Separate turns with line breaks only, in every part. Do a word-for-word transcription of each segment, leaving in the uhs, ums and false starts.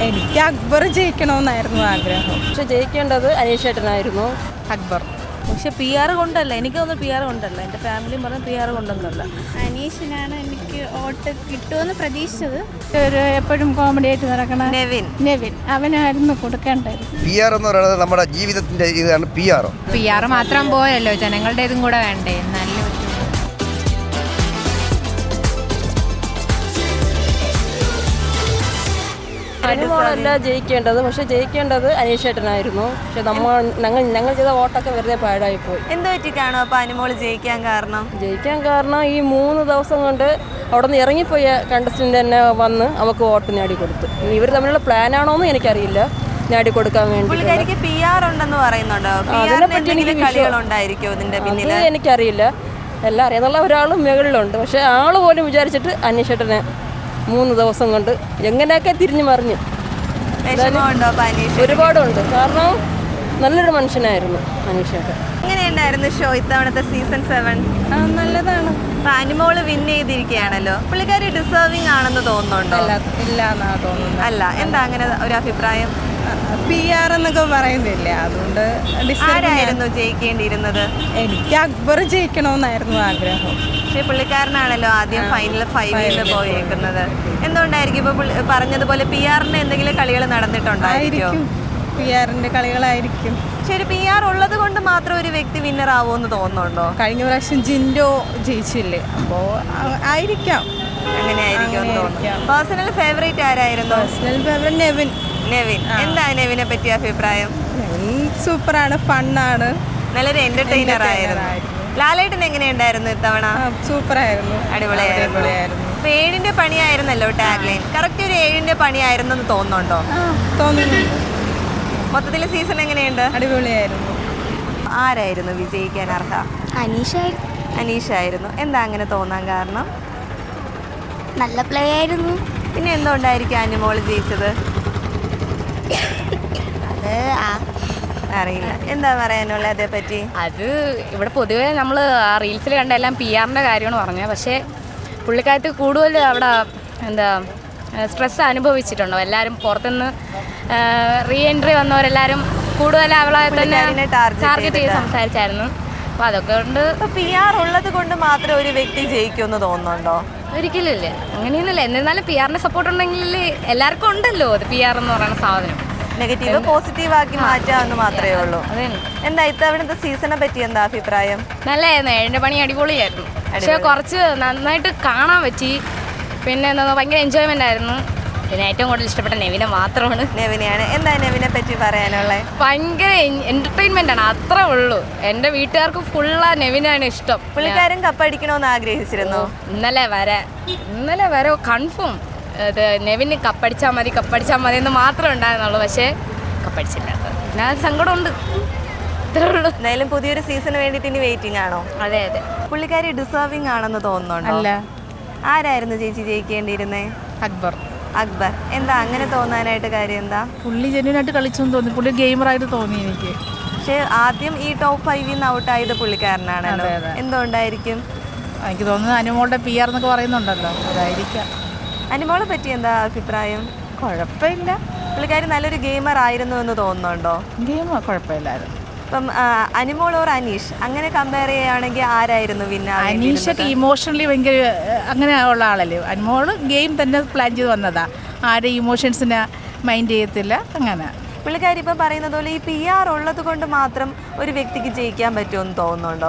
എനിക്ക് അക്ബർ ജയിക്കണമെന്നായിരുന്നു ആഗ്രഹം.
പക്ഷെ ജയിക്കേണ്ടത് അനീഷേട്ടനായിരുന്നു.
അക്ബർ
പക്ഷെ പി ആർ കൊണ്ടല്ല, എനിക്കൊന്നും പി ആർ കൊണ്ടല്ല, എൻ്റെ ഫാമിലിയും പറഞ്ഞ പി ആർ കൊണ്ടൊന്നുമല്ല.
അനീഷിനാണ് എനിക്ക് വോട്ട് കിട്ടുമെന്ന് പ്രതീക്ഷിച്ചത്. ഒരു എപ്പോഴും കോമഡി ആയിട്ട് നടക്കണ
നെവിൻ
നെവിൻ അവനായിരുന്നു കൊടുക്കേണ്ടത്.
പി ആർ എന്ന് പറയുന്നത് നമ്മുടെ ജീവിതത്തിന്റെ ഇതാണ് പി ആർ.
പി ആർ മാത്രം പോയല്ലോ, ജനങ്ങളുടെ ഇതും കൂടെ വേണ്ടേ. നല്ല
അനുമോളല്ല ജയിക്കേണ്ടത്, പക്ഷെ ജയിക്കേണ്ടത് അനീഷേട്ടനായിരുന്നു. പക്ഷെ നമ്മൾ ഞങ്ങൾ ഞങ്ങൾ ചെയ്ത വോട്ടൊക്കെ വെറുതെ പാഴായി പോയി.
എന്ത് പറ്റിക്കാണോ അപ്പൊ അനുമോള് ജയിക്കാൻ കാരണം?
ജയിക്കാൻ കാരണം ഈ മൂന്ന് ദിവസം കൊണ്ട് അവിടെ നിന്ന് ഇറങ്ങിപ്പോയ കണ്ടസ്റ്റന്റ് തന്നെ വന്ന് അവർക്ക് വോട്ട് നേടിക്കൊടുത്തു. ഇവർ തമ്മിലുള്ള പ്ലാനാണോന്ന് എനിക്കറിയില്ല, നേടിക്കൊടുക്കാൻ വേണ്ടി.
പുള്ളിക്കാരിക്ക് പി ആർ ഉണ്ടെന്ന് പറയുന്നുണ്ടോ? കളികളുണ്ടായിരിക്കും ഇതിന്റെ പിന്നിൽ?
അത് എനിക്കറിയില്ല. എല്ലാം അറിയാന്നുള്ള ഒരാളും മുകളിലുണ്ട്, പക്ഷെ ആള് പോലും വിചാരിച്ചിട്ട് അനീഷേട്ടനെ മൂന്ന് ദിവസം കൊണ്ട് എങ്ങനെയൊക്കെ തിരിഞ്ഞു മറിഞ്ഞു.
വിഷമമുണ്ടോ അനീഷ്?
ഒരുപാടുണ്ട്, കാരണം നല്ലൊരു മനുഷ്യനായിരുന്നു അനീഷേട്ടൻ.
എങ്ങനെയുണ്ടായിരുന്നു ഷോ ഇത്തവണത്തെ സീസൺ സെവൻ?
നല്ലതാണ്.
അപ്പൊ അനുമോള് വിൻ ചെയ്തിരിക്കുകയാണല്ലോ, പുള്ളിക്കാരി ഡിസേർവിംഗ് ആണെന്ന് തോന്നുന്നുണ്ടോ?
ഇല്ല എന്നാ തോന്നുന്നു.
അല്ല, എന്താ അങ്ങനെ ഒരു അഭിപ്രായം?
പി ആർ എന്നൊക്കെ പറയുന്നില്ലേ, അതുകൊണ്ട്
ആരായിരുന്നു ജയിക്കേണ്ടിയിരുന്നത്?
എനിക്ക് അക്ബർ ജയിക്കണമെന്നായിരുന്നു ആഗ്രഹം.
പക്ഷെ പുള്ളിക്കാരനാണല്ലോ ആദ്യം ഫൈനൽ ഫൈവിൽ പോയേക്കുന്നത്. എന്തുകൊണ്ടായിരിക്കും ഇപ്പൊ പറഞ്ഞതുപോലെ പി ആറിന്റെ എന്തെങ്കിലും കളികൾ നടന്നിട്ടുണ്ടായിരിക്കും?
പി ആറിന്റെ കളികളായിരിക്കും.
ശരി, പി ആർ ഉള്ളത് കൊണ്ട് മാത്രം ഒരു വ്യക്തി വിന്നർ ആവുമെന്ന് തോന്നുന്നുണ്ടോ?
കഴിഞ്ഞ പ്രാവശ്യം ജിൻഡോ ജയിച്ചില്ലേ, അപ്പോ ആയിരിക്കാം.
അങ്ങനെ ആയിരിക്കും തോന്നുന്നു. പേഴ്സണൽ ഫേവറേറ്റ് ആരായിരുന്നു?
Personal favourite Nevin.
നെവിൻ. എന്താ നെവിനെ പറ്റിയ അഭിപ്രായം?
നെവിൻ സൂപ്പറാണ്, ഫണ്ണാണ്,
നല്ലൊരു എന്റർടൈനർ ആയിരുന്നു. ലാലേട്ടൻ എങ്ങനെയുണ്ടായിരുന്നു ഇത്തവണ?
സൂപ്പറായിരുന്നു,
അടിപൊളിയായിരുന്നു. ഇപ്പൊ ഏഴിന്റെ പണിയായിരുന്നല്ലോ ടാഗ് ലൈൻ. കറക്റ്റ് ഒരു ഏഴിന്റെ പണിയായിരുന്നു എന്ന് തോന്നുന്നുണ്ടോ?
തോന്നുന്നു.
മൊത്തത്തിൽ സീസൺ എങ്ങനെയുണ്ട്?
അടിപൊളിയായിരുന്നു.
ആരായിരുന്നു വിജയിക്കാൻ അർഹ?
അനീഷായിരുന്നു.
അനീഷായിരുന്നു. എന്താ അങ്ങനെ തോന്നാൻ കാരണം?
നല്ല പ്ലേ ആയിരുന്നു.
പിന്നെ എന്തുകൊണ്ടായിരിക്കും അനുമോള് ജയിച്ചത്?
അത്
അറിയില്ല. എന്താ പറയാനുള്ള അതേപറ്റി?
അത് ഇവിടെ പൊതുവേ നമ്മൾ റീൽസിൽ കണ്ട എല്ലാം പി ആറിൻ്റെ കാര്യമാണ് പറഞ്ഞത്. പക്ഷേ പുള്ളിക്കാരത്ത് കൂടുതൽ അവിടെ എന്താ സ്ട്രെസ് അനുഭവിച്ചിട്ടുണ്ടോ? എല്ലാവരും പുറത്തുനിന്ന് റീ എൻട്രി വന്നവരെല്ലാവരും കൂടുതൽ അവളെ തന്നെ ടാർഗറ്റ് ചെയ്ത് സംസാരിച്ചായിരുന്നു. അപ്പോൾ അതൊക്കെ കൊണ്ട്
പി ആർ ഉള്ളത് കൊണ്ട് മാത്രം ഒരു വ്യക്തി ജയിക്കുമെന്ന് തോന്നുന്നുണ്ടോ?
ഒരിക്കലും ഇല്ല, അങ്ങനെയൊന്നുമില്ല. എന്നിരുന്നാലും പി ആറിൻ്റെ സപ്പോർട്ട് ഉണ്ടെങ്കിൽ എല്ലാവർക്കും ഉണ്ടല്ലോ അത് പി ആർ എന്ന് പറയുന്ന സാധനം.
നെഗറ്റീവ് പോസിറ്റീവ് ആക്കി മാറ്റാമെന്ന് മാത്രമേ ഉള്ളൂ.
അതെ.
എന്താ ഇത്തവണത്തെ സീസണെ പറ്റി എന്താ അഭിപ്രായം?
നല്ലായിരുന്നു, ഏഴിൻ്റെ പണി അടിപൊളിയായിരുന്നു. പക്ഷേ കുറച്ച് നന്നായിട്ട് കാണാൻ പറ്റി. പിന്നെ എന്താ ഭയങ്കര എൻജോയ്മെൻ്റ് ആയിരുന്നു. പിന്നെ ഏറ്റവും കൂടുതൽ ഇഷ്ടപ്പെട്ട നെവിനെ മാത്രമാണ്.
നെവിനെയാണ്. എന്താ നെവിനെ പറ്റി പറയാനുള്ളത്?
ഭയങ്കര എൻ്റർടൈൻമെൻ്റ് ആണ്, അത്രേ ഉള്ളൂ. എൻ്റെ വീട്ടുകാർക്ക് ഫുള്ളാ നെവിനാണ് ഇഷ്ടം.
പുള്ളിക്കാരൻ കപ്പടിക്കണമെന്ന് ആഗ്രഹിച്ചിരുന്നു.
ഇന്നലെ വരെ ഇന്നലെ വരെ കൺഫേം ഇത് നെവിന് കപ്പടിച്ചാൽ മതി കപ്പടിച്ചാൽ മതി എന്ന് മാത്രമേ ഉണ്ടായിരുന്നുള്ളൂ. പക്ഷേ കപ്പടിച്ചില്ല. പിന്നെ അത് സങ്കടമുണ്ട്, ഇത്രേ ഉള്ളൂ.
എന്തായാലും പുതിയൊരു സീസണ് വേണ്ടിയിട്ട് ഇനി വെയിറ്റിംഗ് ആണോ?
അതെ അതെ.
പുള്ളിക്കാരി ഡിസേർവിംഗ് ആണെന്ന് തോന്നുന്നുണ്ടോ?
അല്ല.
ആരായിരുന്നു ചേച്ചി ജയിക്കേണ്ടിയിരുന്നേ?
അക്ബർ.
അക്ബർ. എന്താ അങ്ങനെ തോന്നാനായിട്ട് കാര്യം എന്താ?
പുള്ളി ജെന്യൂനായിട്ട് കളിച്ചെന്ന് തോന്നി, പുള്ളി ഗെയിമറായിട്ട് തോന്നി എനിക്ക്.
പക്ഷെ ആദ്യം ഈ ടോപ്പ് ഫൈവിൽ നിന്ന് ഔട്ടായത് പുള്ളിക്കാരനാണല്ലോ. എന്തുകൊണ്ടായിരിക്കും?
എനിക്ക് തോന്നുന്നത് അനുമോളുടെ പി ആർ എന്നൊക്കെ പറയുന്നുണ്ടല്ലോ, അതായിരിക്കാം.
അനുമോളെ പറ്റി എന്താ അഭിപ്രായം?
കുഴപ്പമില്ല,
പുള്ളിക്കാരി നല്ലൊരു ഗെയിമർ ആയിരുന്നു എന്ന് തോന്നുന്നുണ്ടോ?
ഗെയിം കുഴപ്പമില്ലായിരുന്നു.
ഇപ്പം അനുമോൾ ഓർ അനീഷ് അങ്ങനെ കമ്പയർ ചെയ്യുകയാണെങ്കിൽ ആരായിരുന്നു വിന്ന?
അനീഷൊക്കെ ഇമോഷണലി ഭയങ്കര അങ്ങനെ ഉള്ള ആളല്ലേ. അനുമോള് ഗെയിം തന്നെ പ്ലാൻ ചെയ്ത് വന്നതാ, ആരുടെ ഇമോഷൻസിനെ മൈൻഡ് ചെയ്യത്തില്ല. അങ്ങനെ
പുള്ളിക്കാരി ഇപ്പം പറയുന്നത് പോലെ ഈ പി ആർ ഉള്ളത് കൊണ്ട് മാത്രം ഒരു വ്യക്തിക്ക് ജയിക്കാൻ പറ്റുമെന്ന് തോന്നുന്നുണ്ടോ?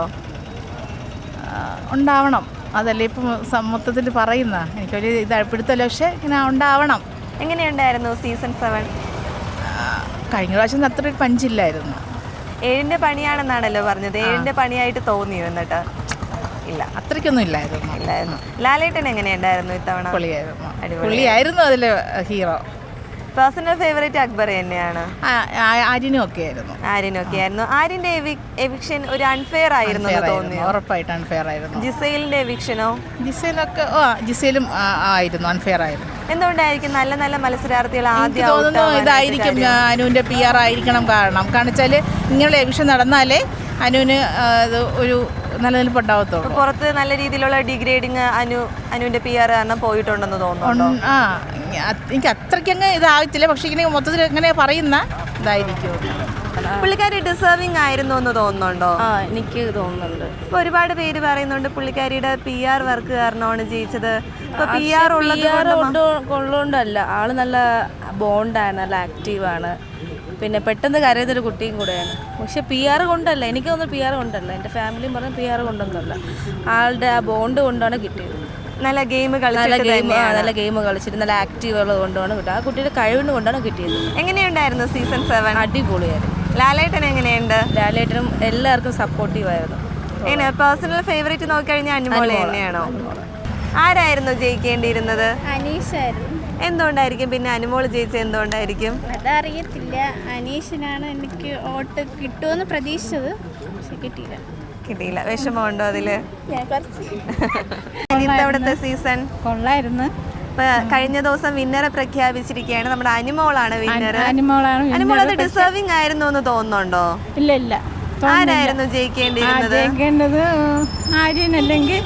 ഉണ്ടാവണം, അതല്ലേ ഇപ്പം മൊത്തത്തിൽ പറയുന്ന. എനിക്കൊരു ഇത് പിടുത്തല്ല, പക്ഷേ ഇങ്ങനെ ഉണ്ടാവണം.
എങ്ങനെയുണ്ടായിരുന്നു സീസൺ സെവൻ?
കഴിഞ്ഞ പ്രാവശ്യം അത്ര ഒരു പഞ്ചില്ലായിരുന്നു.
ഏഴിന്റെ പണിയാണെന്നാണല്ലോ പറഞ്ഞത്. ഏഴിന്റെ പണിയായിട്ട് തോന്നിയോ? എന്നിട്ട് ഇല്ല,
അത്രയ്ക്കൊന്നും ഇല്ലായിരുന്നു.
ഇല്ലായിരുന്നു. ലാലേട്ടൻ എങ്ങനെയുണ്ടായിരുന്നു ഇത്തവണ?
പൊളിയായിരുന്നു, പുള്ളിയായിരുന്നു അതിലെ ഹീറോ.
പേഴ്സണൽ ഫേവറേറ്റ് അക്ബർ തന്നെയാണ്.
ആര്യനും ഒക്കെ ആയിരുന്നു.
ആര്യനും ഒക്കെ ആയിരുന്നു. ആര്യന്റെ എവിക്ഷൻ ഒരു അൺഫെയർ ആയിരുന്നു തോന്നി.
ഉറപ്പായിട്ട് അൺഫെയർ ആയിരുന്നു.
ജിസൈലിന്റെ എവിക്ഷനോ?
ജിസൈലൊക്കെ ജിസൈലും ആയിരുന്നു, അൺഫെയർ ആയിരുന്നു.
എന്തുകൊണ്ടായിരിക്കും നല്ല നല്ല മത്സരാർത്ഥികൾ ആദ്യം
തോന്നുന്നു ഇതായിരിക്കും അനുവിന്റെ പി ആർ ആയിരിക്കണം. കാരണം കാരണം വെച്ചാല് ഇങ്ങനെയുള്ള എവിക്ഷൻ നടന്നാലേ അനുവിന് ഒരു നിലനിൽപ്പുണ്ടാവത്തുള്ളൂ.
പുറത്ത് നല്ല രീതിയിലുള്ള ഡിഗ്രേഡിങ് അനു അനുവിന്റെ പി ആർ കാരണം പോയിട്ടുണ്ടെന്ന് തോന്നുന്നു.
ആ എനിക്ക് അത്രയ്ക്കങ്ങ് ഇതാകത്തില്ല, പക്ഷേ ഇങ്ങനെ മൊത്തത്തിൽ ഇങ്ങനെ പറയുന്ന ഇതായിരിക്കും.
പുള്ളിക്കാരി ഡിസേർവിംഗ് ആയിരുന്നു എന്ന് തോന്നുന്നുണ്ടോ?
ആ എനിക്ക് തോന്നുന്നുണ്ട്.
ഇപ്പൊ ഒരുപാട് പേര് പറയുന്നുണ്ട് പുള്ളിക്കാരിയുടെ പി ആർ വർക്ക് കാരണമാണ് ജയിച്ചത്. ഇപ്പൊ പി ആർ ഉള്ളത്
പി ആർ
കൊണ്ട്
കൊണ്ടുകൊണ്ടല്ല, ആള് നല്ല ബോണ്ടാണ്, നല്ല ആക്റ്റീവാണ്, പിന്നെ പെട്ടെന്ന് കരയുന്നൊരു കുട്ടിയും കൂടെയാണ്. പക്ഷെ പി ആർ കൊണ്ടല്ല, എനിക്ക് തോന്നുന്നു പി ആർ കൊണ്ടല്ല, എൻ്റെ ഫാമിലിയും പറഞ്ഞ പി ആർ കൊണ്ടൊന്നുമല്ല, ആളുടെ ആ ബോണ്ട് കൊണ്ടാണ് കിട്ടിയത്.
നല്ല ഗെയിം
നല്ല
കളിച്ചിട്ട്
ഗെയിം
തന്നെയാണ്.
നല്ല ഗെയിം കളിച്ചിട്ട് നല്ല ആക്റ്റീവ് ഉള്ളത് കൊണ്ടാണ് കിട്ടുക. ആ കുട്ടിയുടെ കഴിവിന് കൊണ്ടാണ് കിട്ടിയത്.
എങ്ങനെയുണ്ടായിരുന്നു സീസൺ സെവൻ?
അടിപൊളിയായിരുന്നു.
ലാലേട്ടൻ എങ്ങനെയുണ്ട്?
ലാലേട്ടനും എല്ലാവർക്കും സപ്പോർട്ടീവായിരുന്നു.
എങ്ങനെ പേഴ്സണൽ ഫേവറേറ്റ് നോക്കിക്കഴിഞ്ഞാൽ അനുമോള് തന്നെയാണോ? ആരായിരുന്നു ജയിക്കേണ്ടിയിരുന്നത്?
അനീഷായിരുന്നു.
എന്തുകൊണ്ടായിരിക്കും പിന്നെ അനുമോള് ജയിച്ചത്? എന്തുകൊണ്ടായിരിക്കും?
അതറിയത്തില്ല. അനീഷിനാണ് എനിക്ക് വോട്ട് കിട്ടുമെന്ന് പ്രതീക്ഷിച്ചത്, പക്ഷെ കിട്ടിയില്ല.
കിട്ടിയില്ല. വിഷമമുണ്ടോ അതില്?
ഞാൻ കുറച്ച്
ഇത്തവണത്തെ സീസൺ
കൊള്ളായിരുന്നു.
ഇപ്പൊ കഴിഞ്ഞ ദിവസം വിന്നറെ പ്രഖ്യാപിച്ചിരിക്കുകയാണ്. നമ്മുടെ അനുമോളാണ് വിന്നർ.
അനുമോളാണ്
അനുമോൾ അത് ഡിസേർവിംഗ് ആയിരുന്നു എന്ന് തോന്നുന്നുണ്ടോ?
ഇല്ല ഇല്ല,
ആരായിരുന്നു ജയിക്കേണ്ടിയിരുന്നത്?
ജയിക്കേണ്ടത് ആര്യൻ അല്ലെങ്കിൽ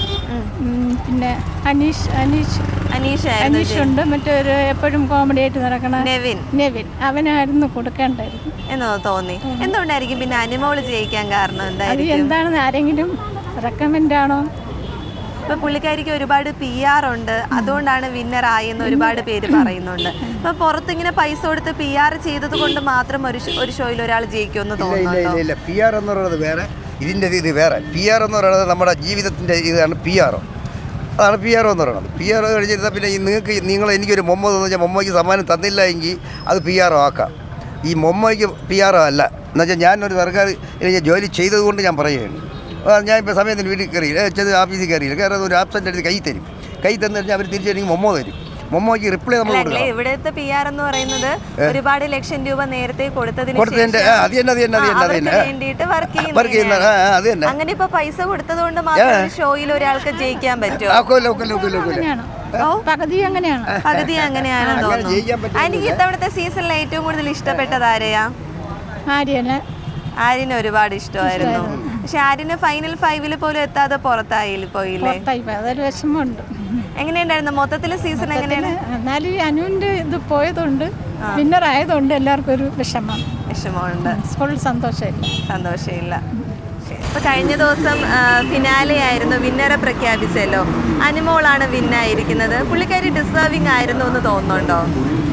പിന്നെ അനീഷ് അനീഷ്
അനീഷായിരുന്നു.
അനീഷുണ്ട്, മറ്റൊരു എപ്പോഴും കോമഡി ആയിട്ട് നടക്കണ
നെവിൻ
നെവിൻ, അവനായിരുന്നു കൊടുക്കേണ്ടായിരുന്നു
എന്നോ തോന്നി. എന്തുകൊണ്ടായിരിക്കും പിന്നെ അനുമോള് ജയിക്കാൻ കാരണം?
അത്
എന്തായിരിക്കും?
എന്താണെന്ന് ആരെങ്കിലും റെക്കമെൻഡ് ആണോ?
ഇപ്പൊ പുള്ളിക്കാരിക്ക് ഒരുപാട് പി ആർ ഉണ്ട്, അതുകൊണ്ടാണ് വിന്നർ ആയെന്ന് ഒരുപാട് പേര് പറയുന്നുണ്ട്. ഇപ്പൊ പുറത്തിങ്ങനെ പൈസ കൊടുത്ത് പി ആർ ചെയ്തത് കൊണ്ട് മാത്രം ഒരു ഷോ- ഒരു ഷോയിൽ ഒരാൾ ജയിക്കുമെന്ന്
ഇല്ല
തോന്നുന്നുണ്ടോ?
ഇല്ല ഇല്ല, പി ആർ എന്ന് പറയുന്നത് വേറെ, ഇതിൻ്റെ ഇത് വേറെ. പി ആർ എന്ന് പറയുന്നത് നമ്മുടെ ജീവിതത്തിൻ്റെ ഇതാണ് പി ആർ. അതാണ് പി ആർ എന്ന് പറയുന്നത്. പി ആർ കഴിഞ്ഞിരുന്നാൽ പിന്നെ ഈ നിങ്ങൾക്ക് നിങ്ങൾ എനിക്കൊരു മൊമ്മ തന്നു വെച്ചാൽ മൊമ്മയ്ക്ക് സമ്മാനം തന്നില്ല എങ്കിൽ അത് പി ആർ ആക്കാം. ഈ മൊമ്മയ്ക്ക് പി ആർ അല്ല. എന്നുവെച്ചാൽ ഞാനൊരു സർക്കാർ ജോലി ചെയ്തതുകൊണ്ട് ഞാൻ പറയുകയാണ്. ഞാൻ ഇപ്പോൾ സമയത്തിന് വീട്ടിൽ കയറിയില്ല, ചെന്ന് ഓഫീസിൽ കയറിയില്ല, കയറാതെ ഒരു ആബ്സെൻ്റ് എടുത്ത് കൈ തരും. കൈ തന്നു കഴിഞ്ഞാൽ അവർ തിരിച്ചെനിക്ക് മൊമ്മ തരും. മൊമ്മയ്ക്ക് റിപ്ലൈ നമ്മൾ
അല്ല,
കൊടുക്കണം.
ഇവിടുത്തെ പി ആർ എന്ന് പറയുന്നത് ഒരുപാട് ലക്ഷം രൂപ നേരത്തെ കൊടുത്തതിന്
കൊടുത്തതിൻ്റെ
ശേഷം
അത് തന്നെ അത് തന്നെ അത് തന്നെ അത്
അവർക്ക്
തന്നെ
വേണ്ടിയിട്ട് വർക്ക്
വർക്ക് ചെയ്യുന്ന
ചെയ്യുന്ന
ആ അത് തന്നെ.
അങ്ങനെ ഇപ്പൊ പൈസ കൊടുത്തത് കൊണ്ട് മാത്രം ഒരു ഷോയിൽ ഒരാൾക്ക് ജയിക്കാൻ പറ്റുമോ?
ആക്കോല്ല ഒക്കല്ല ഒക്കല്ല ഒക്കല്ല
പകുതി അങ്ങനെയാണ്.
പകുതി അങ്ങനെയാണെന്ന്
അങ്ങനെ
തോന്നുന്നു.
ജയിക്കാൻ പറ്റും.
എനിക്ക് ഇത്തവണത്തെ സീസണിൽ ഏറ്റവും കൂടുതൽ ഇഷ്ടപ്പെട്ടത് ആരെയാ?
ആര്യന്
ആര്യന് ഒരുപാട് ഇഷ്ടമായിരുന്നു. പക്ഷെ ആര്യന് ഫൈനൽ ഫൈവില് പോലും എത്താതെ പുറത്തായി പോയില്ലേ?
പുറത്തായി പോയി, അതൊരു വിഷമമുണ്ട്.
എങ്ങനെയുണ്ടായിരുന്നു മൊത്തത്തില് സീസൺ? എങ്ങനെയാണ്? എന്നാലും
അനുവിൻ്റെ ഇത് പോയതുകൊണ്ട് വിന്നർ ആയതുകൊണ്ട് എല്ലാവർക്കും ഒരു വിഷമം,
വിഷമമുണ്ട്,
ഫുൾ സന്തോഷമില്ല,
സന്തോഷമില്ല. ഇപ്പൊ കഴിഞ്ഞ ദിവസം ഫിനാലെ ആയിരുന്നു, വിന്നറെ പ്രഖ്യാപിച്ചല്ലോ. അനുമോളാണ് വിന്നായിരിക്കുന്നത്. പുള്ളിക്കാരി ഡിസേർവിംഗ് ആയിരുന്നു എന്ന് തോന്നുന്നുണ്ടോ?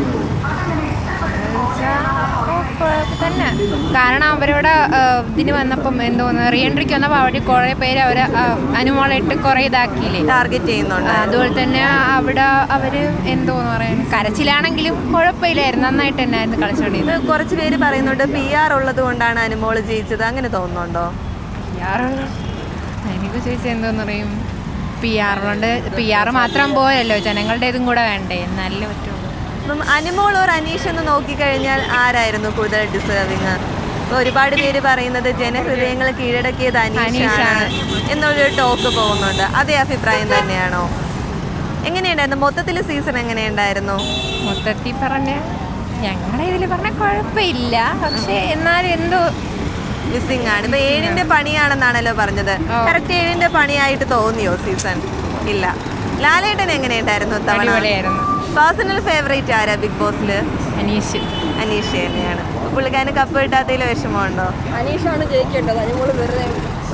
തന്നെ കാരണം അവരോട് ഇതിന് വന്നപ്പം എന്തോന്ന് റീ എൻട്രിക്ക് വന്നപ്പോൾ അവിടെ കുറേ പേര് അവർ അനുമോളായിട്ട് കുറേ ഇതാക്കിയില്ലേ,
ടാർഗറ്റ് ചെയ്യുന്നുണ്ട്.
അതുപോലെ തന്നെ അവിടെ അവർ എന്തോന്ന് പറയാൻ കരച്ചിലാണെങ്കിലും കുഴപ്പമില്ലായിരുന്നു, നന്നായിട്ട് തന്നെ ആയിരുന്നു കളിച്ചോണ്ടിരുന്നത്.
കുറച്ച് പേര് പറയുന്നുണ്ട് പി ആർ ഉള്ളത് കൊണ്ടാണ് അനുമോള് ജയിച്ചത്. അങ്ങനെ തോന്നുന്നുണ്ടോ?
പി ആർ എനിക്ക് ചോദിച്ചാൽ എന്തോന്ന് പറയും, പി ആറിനോണ്ട് പി ആർ മാത്രം പോയല്ലോ, ജനങ്ങളുടെ ഇതും കൂടെ വേണ്ടേ, എന്നാലേ പറ്റുള്ളൂ.
അപ്പം അനുമോൾ ഓർ അനീഷ് എന്ന് നോക്കിക്കഴിഞ്ഞാൽ ആരായിരുന്നു കൂടുതൽ ഡിസേർവിങ്? ഇപ്പൊ ഒരുപാട് പേര് പറയുന്നത് ജനഹൃദയങ്ങൾ കീഴടക്കിയത് അനീഷാണ് എന്നൊരു ടോക്ക് പോകുന്നുണ്ട്. അതേ അഭിപ്രായം തന്നെയാണോ? എങ്ങനെയുണ്ടായിരുന്നു മൊത്തത്തിൽ സീസൺ? എങ്ങനെയുണ്ടായിരുന്നു
മൊത്തത്തിൽ പറഞ്ഞ ഞങ്ങളുടെ ഇതിൽ പറഞ്ഞ കുഴപ്പമില്ല, പക്ഷെ എന്നാലും എന്തോ
മിസ്സിംഗ് ആണ്. ഇപ്പൊ ഏഴിന്റെ പണിയാണെന്നാണല്ലോ പറഞ്ഞത്. കറക്റ്റ് ഏഴിന്റെ പണിയായിട്ട് തോന്നിയോ സീസൺ? ഇല്ല. ലാലേട്ടൻ എങ്ങനെയുണ്ടായിരുന്നു തവണ? പേഴ്സണൽ ഫേവറേറ്റ് ആരാ ബിഗ് ബോസില്?
അനീഷ്.
അനീഷ് തന്നെയാണ്. പുള്ളിക്കാരന് കപ്പ് കിട്ടാത്തതിൽ വിഷമമുണ്ടോ?
അനീഷാണ് ജയിക്കേണ്ടത്. അനുമോള് വെറുതെ